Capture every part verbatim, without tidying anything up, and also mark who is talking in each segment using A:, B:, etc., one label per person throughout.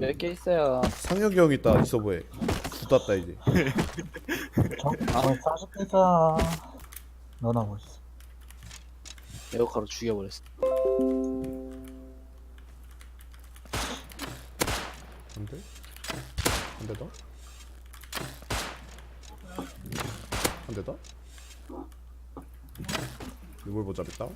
A: 몇 개 있어요.
B: 상혁이 형 있다 이 서버에. 붙었다 이제.
C: 저, 아, 사십 개자. 너나 멋있어.
A: 에어카로 죽여버렸어.
B: 안 돼? 한 대 더? 한 대 더? 리볼버 잡았다.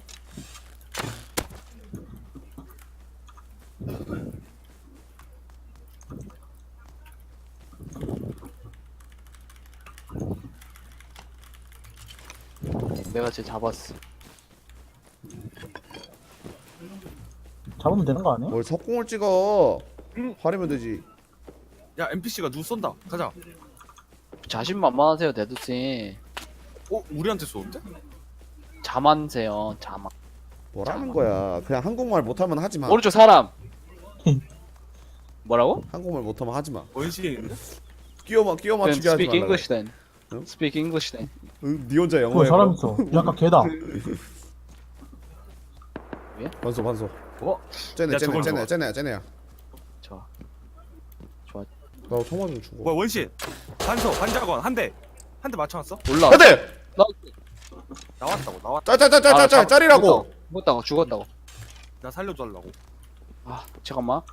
A: 내가 쟤 잡았어.
C: 잡으면 되는 거 아니야?
B: 뭘 석공을 찍어?
D: 응.
B: 화리면 되지.
D: 야 엔피씨가 누구 쏜다. 가자.
A: 자신만만하세요, 데드씨.
D: 어? 우리한테 쏘는데?
A: 자만세요, 자만.
B: 뭐라는 거야? 그냥 한국말 못하면 하지 마.
A: 오른쪽 사람. 뭐라고?
B: 한국말 못하면 하지 마.
D: 원시인인데?
B: 끼워 끼워
A: Then
B: 맞추게 하지
A: speak
B: 말라.
A: English then.
B: 응?
A: Speak English then.
B: 응, 네 혼자 영어
C: 그
B: 해.
C: 사람 있어. 약간 개다.
B: 반소 반소.
A: 어?
B: 쟤네
D: 야,
B: 쟤네
D: 저걸
B: 쟤네
D: 좋아.
B: 쟤네야 쟤네야.
A: 좋아. 좋아.
B: 나 통화 좀 주고.
D: 뭐야 원신. 반소 반자건 한 대. 한 대 맞춰놨어?
A: 올라.
B: 안돼.
A: 나
D: 나왔다고 나왔다.
B: 짜짜짜짜짜 짜리라고.
A: 죽었다고, 죽었다고.
D: 나 살려달라고.
A: 아, 잠깐만.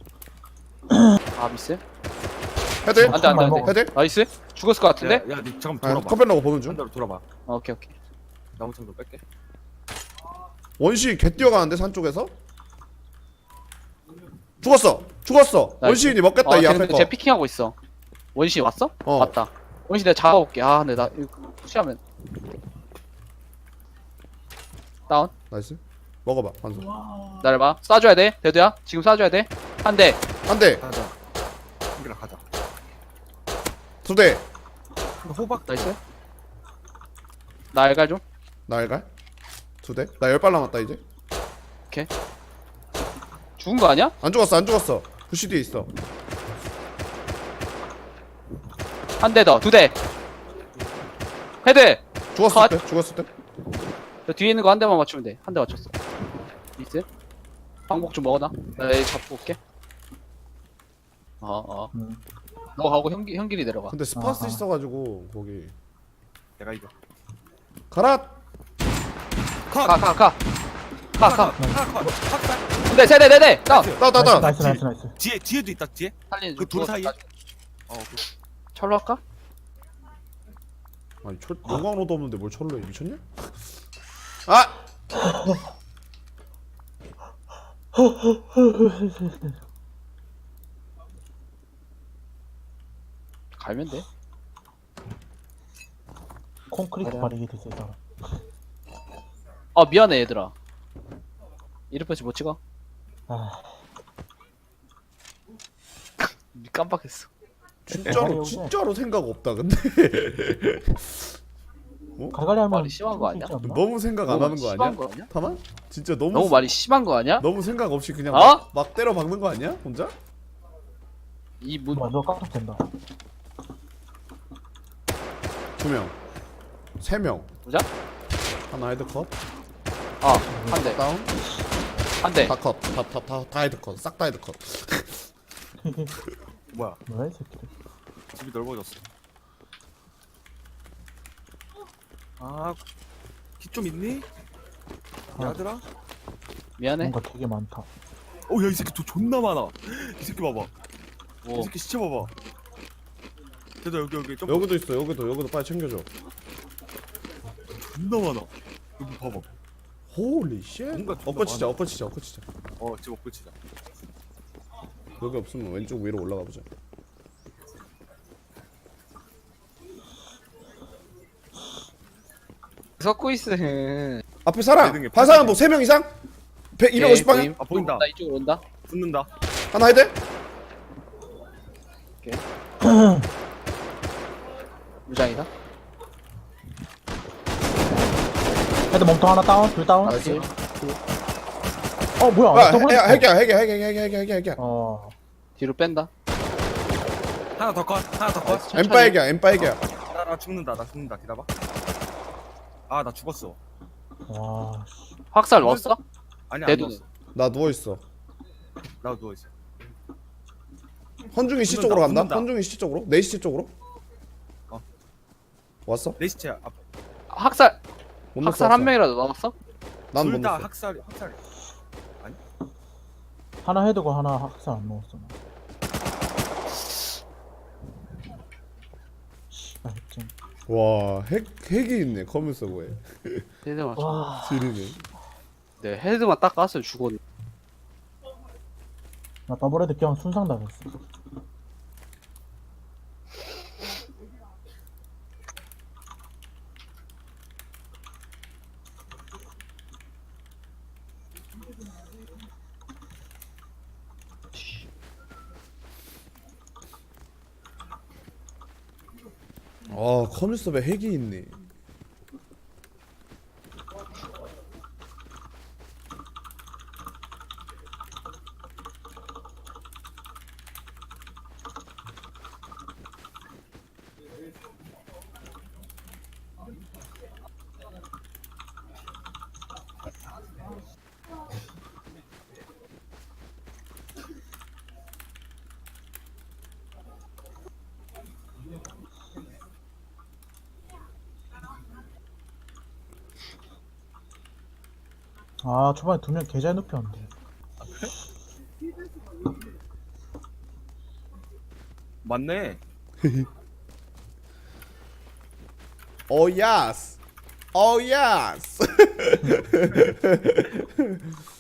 A: 아, 미스?
B: 헤드.
A: 안 돼, 안 돼, 안 돼.
B: 헤드.
A: 나이스? 죽었을 것 같은데?
D: 야, 야, 니 잠깐
B: 아,
D: 돌아봐.
B: 컵변라고 보는 중.
D: 반대로 돌아봐.
A: 어, 오케이, 오케이.
D: 나무 창도 뺄게.
B: 원시 개 뛰어가는데 산 쪽에서. 죽었어. 죽었어.
A: 나이스.
B: 원시인이 먹겠다
A: 아,
B: 이
A: 쟤
B: 앞에
A: 근데
B: 거.
A: 쟤 피킹하고 있어. 원시 왔어?
B: 어.
A: 왔다. 원시 내가 잡아볼게. 아, 근데 나 이거 푸시하면 다운.
B: 나이스. 먹어봐 반소.
A: 기다려봐. 쏴줘야 돼. 대두야. 지금 쏴줘야 돼. 한 대.
B: 한 대,
D: 가자. 한개랑 가자.
B: 두 대.
D: 호박
A: 나이스. 나 알갈 좀.
B: 날갈. 두 대. 나 열 발 남았다 이제.
A: 죽은 거 아니야?
B: 안 죽었어 안 죽었어. 부시 뒤에 있어.
A: 한 대 더. 두 대. 헤드.
B: 죽었을
A: 컷.
B: 때. 죽었을 때.
A: 저 뒤에 있는 거 한 대만 맞추면 돼. 한 대 맞췄어. 미스. 항복 좀 먹어놔. 나 얘 잡고 올게. 어, 어.
C: 음.
A: 너 가고 형기, 형길이 내려가.
B: 근데 스파스
C: 아, 아.
B: 있어가지고 거기.
D: 내가 이겨.
B: 가라.
D: 컷.
A: 가, 가, 가. 가, 가.
D: 하나 컷. 컷.
A: 두 대, 세 대, 네 대. 다운.
B: 따 따 따.
C: 나이스, 나이스, 나이스.
D: 뒤에 뒤에도 있다 뒤에.
A: 살리는
D: 그
A: 중.
D: 돌 사이에?
A: 죽었어.
D: 어. 그-
A: 철로 할까?
B: 아니 철 용광로도 없는데 뭘 철로 해 미쳤냐? 아.
A: 갈면 돼.
C: 콘크리트
A: 그래.
C: 바르게 됐어, 이 사람.
A: 아, 미안해, 얘들아. 이름표시 못 찍어?
C: 아,
A: 깜빡했어.
B: 진짜로 진짜로 생각 없다 근데.
C: 갈갈이 하면.
A: 말이 심한 거 아니야?
C: 수 있지 않나?
B: 너무 생각 안
A: 너무
B: 하는 거
A: 심한
B: 아니야?
A: 거 아니야?
B: 타만? 진짜 너무
A: 너무 말이 심한 거 아니야?
B: 너무 생각 없이 그냥
A: 어?
B: 막, 막 때려 박는 거 아니야? 혼자?
A: 이 문,
C: 뭐, 너 깜짝 된다.
B: 두 명, 세 명.
A: 보자?
B: 하나 헤드 컷.
A: 아, 한 대,
B: 다운.
A: 한 대.
B: 다 컷. 다 다 다 다 헤드 컷. 싹 다 헤드 컷.
D: 뭐야?
C: 뭐야, 이 새끼들.
D: 집이 넓어졌어. 아, 키 좀 있니? 야들아?
A: 미안해.
C: 뭔가 되게 많다.
D: 어, 야, 이 새끼 돈 존나 많아. 이 새끼 봐봐.
A: 뭐,
D: 이 새끼 시체 봐봐. 대도 여기 여기 좀
B: 여기도 있어. 여기도 여기도 빨리 챙겨줘.
D: 존나 많아. 여기 봐봐.
B: 홀리 쉣.
D: 뭔가 존나
B: 엎어치자.
D: 많아.
B: 엎어치자. 엎어치자.
D: 어, 집 먹고 치자.
B: 여기 없으면 왼쪽 위로 올라가 보자.
A: 섞고 있어.
B: 앞에 사람.
D: 내 등에
B: 반사람 뭐 세 명 이상? 백 이백오십 방향.
D: 아, 보인다.
A: 나 이쪽으로 온다.
D: 붙는다.
B: 하나 헤드.
A: 무장이다.
C: 헤드 몸통 하나 다운, 둘 다운.
A: 알았지?
C: 어, 뭐야.
B: 아,
C: 저번에-
B: 해- 해결 해결 해결 해결 해결 해결 해결.
C: 어,
A: 뒤로 뺀다.
D: 하나 더 컷. 하나 더 컷.
A: 천천히.
B: 엠파 해결 엠파 해결.
D: 나, 나 죽는다. 나 죽는다. 기다봐. 아, 나 죽었어.
C: 와, 씨.
A: 확살 넣었어?
D: 아니, 안
A: 대두는.
D: 죽었어.
B: 나 누워 있어.
D: 나 누워 있어.
B: 헌중이 씨
D: 붙는다,
B: 쪽으로 간다.
D: 붙는다.
B: 헌중이 씨 쪽으로. 네 시 쪽으로.
D: 어.
B: 왔어?
D: 레시체 앞.
A: 학살
B: 못 넣었어,
A: 학살 한
B: 왔어.
A: 명이라도 남았어?
B: 난못
D: 둘 다
B: 넣었어.
D: 학살 학살.
C: 하나 헤드고 하나 학살 안 먹었어. 나. 씨발 핵쟁.
B: 와, 핵 핵이 있네. 커뮤 서버에.
A: 헤드만
C: 와.
B: 지리네.
A: 네 헤드만 딱 깠으면 죽었네.
C: 나 더블 헤드 그냥 순상 당했어.
B: 아, 커뮤 서버에 핵이 있네.
C: 아 초반에 두 명 계좌에 눕혔는데.
D: 맞네.
B: 오 야스. 오 야스.